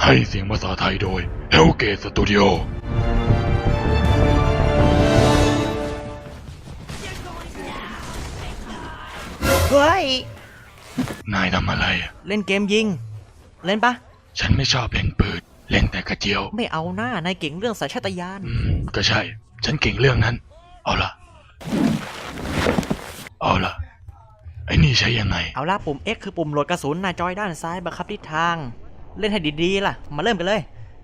ให้เสียงภาษาไทยโดย Hellgate Studio เฮ้ยนายทำอะไรเล่นเกมยิงเล่นปะฉันไม่ชอบเล่นปืนเล่นแต่กระเจียวไม่เอาหน้านายเก่งเรื่องสัญชาตญาณก็ใช่ ฉันเก่งเรื่องนั้น เอาล่ะ ไอ้นี่ใช้ยังไงเอาละปุ่ม X คือปุ่มโหลดกระสุนหน้าจอยด้านซ้ายบังคับทิศทางเล่นให้ดีๆล่ะมาเริ่มกันเลย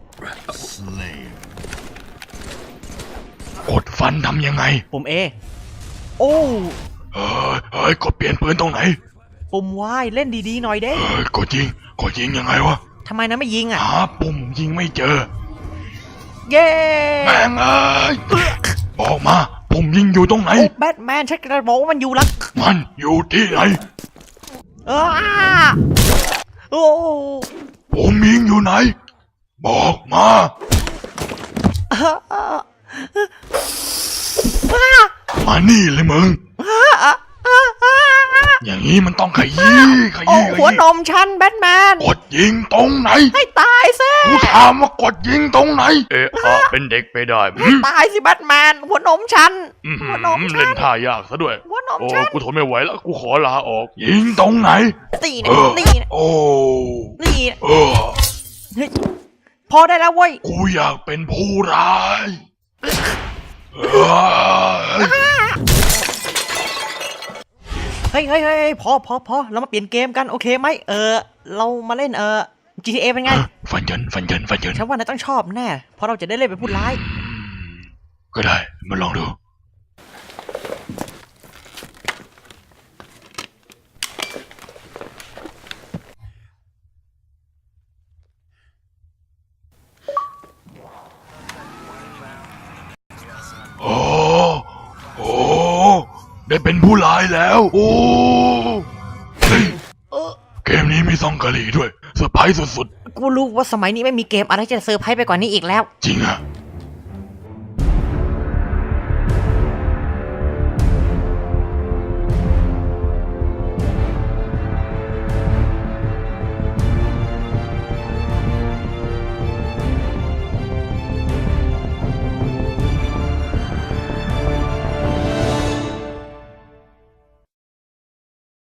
กดฟันทำยังไงปุ่ม A โอ้เฮ้ยกดเปลี่ยนปืนตรงไหนปุ่ม Y เล่นดีๆหน่อยเด้กดยิงยังไงวะทำไมนะไม่ยิงอ่ะหาปุ่มยิงไม่เจอเย้แม่งเอ้ยบอกมาปุ่มยิงอยู่ตรงไหนโอ้แบทแมนฉันกระบอกว่ามันอยู่หลังมันอยู่ที่ไหนโอ้ปุ่มยิงอยู่ไหน บอกมามานี่เลยมึง อย่างนี้มันต้องขยี้โอ้หัวนมฉันแบทแมนกดยิงตรงไหนให้ตายซิกูถามว่ากดยิงตรงไหน เป็นเด็กไปได้ตายสิแบทแมนหัวนมฉันหัวนมฉัเล่นนท่ายากซะด้วยหัวนมโอ้ฉันกูทนไม่ไหวแล้วกูขอลาออก ยิงตรงไหนตีนะเออตีนะโอ้นี่นะเออเฮ้ยพอได้แล้วเว้ยกูอยากเป็นผู้ร้ายเออเฮ้ยพอเรามาเปลี่ยนเกมกันโอเคไหมเรามาเล่นGTA เป็นไงฟันเยินฉันว่านายต้องชอบแน่เพราะเราจะได้เล่นเป็นผู้ร้ายก็ได้มาลองดู โอ้ได้เป็นผู้ร้ายแล้ว โอ้เฮ้ยเกมนี้มีซองกะหรี่ด้วยเซอร์ไพรส์สุดกูรู้ว่าสมัยนี้ไม่มีเกมอะไรจะเซอร์ไพรส์ไปกว่านี้อีกแล้วๆจริงอะ